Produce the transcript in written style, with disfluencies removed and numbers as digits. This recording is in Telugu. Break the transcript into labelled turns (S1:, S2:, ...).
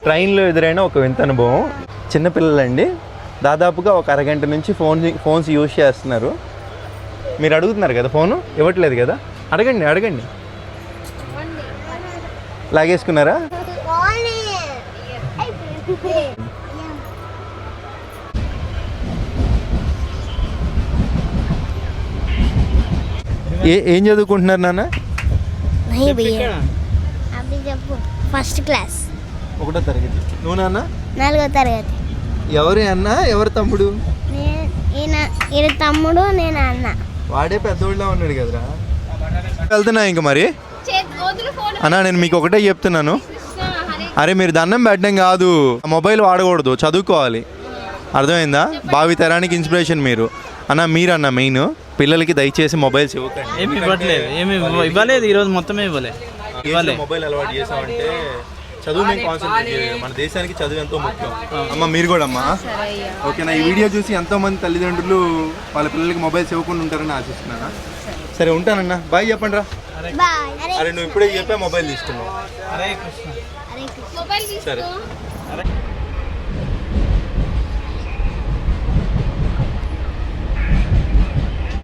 S1: ట్రైన్లో ఎదురైన ఒక వింత అనుభవం. చిన్నపిల్లలండి దాదాపుగా ఒక అరగంట నుంచి ఫోన్స్ యూజ్ చేస్తున్నారు. మీరు అడుగుతున్నారు కదా, ఫోను ఇవ్వట్లేదు కదా, అడగండి. లాగేసుకున్నారా? ఏం చదువుకుంటున్నారు నాన్న?
S2: ఫస్ట్ క్లాస్,
S1: 1వ తరగతి. నువ్వు నాన్న?
S2: 4వ తరగతి.
S1: ఎవరు అన్న, ఎవరు తమ్ముడు?
S2: ఈయన తమ్ముడు, నేను అన్న.
S1: వాడే పెద్దోళ్ళ ఉన్నాడు కదరా. వెళ్తున్నా ఇంక మరి అన్నా, నేను మీకు ఒకటే చెప్తున్నాను, అరే మీరు దండం పెట్టడం కాదు, మొబైల్ వాడకూడదు, చదువుకోవాలి, అర్థమైందా? భావి తరానికి ఇన్స్పిరేషన్ మీరు అన్న. మీరన్న మెయిన్ పిల్లలకి దయచేసి మొబైల్స్ ఇవ్వకండి.
S3: ఏమి ఇవ్వట్లేదు, ఏమి ఇవ్వలేదు, ఈరోజు మొత్తమే ఇవ్వలేదు.
S1: మొబైల్ అలవాటు చేసామంటే చదువు మీద కాన్సన్ట్రేట్ చేయాలి. మన దేశానికి చదువు ఎంతో ముఖ్యం. అమ్మ మీరు కూడా అమ్మా, ఓకేనా? ఈ వీడియో చూసి ఎంతో మంది తల్లిదండ్రులు వాళ్ళ పిల్లలకి మొబైల్స్ ఇవ్వకుండా ఉంటారని ఆశిస్తున్నాను. సరే ఉంటానన్నా, బాయ్ చెప్పండి రా. అరే నువ్వు ఇప్పుడే చెప్పా మొబైల్ తీసుకున్నావు.
S3: అరే కృష్ణ.
S1: సరే.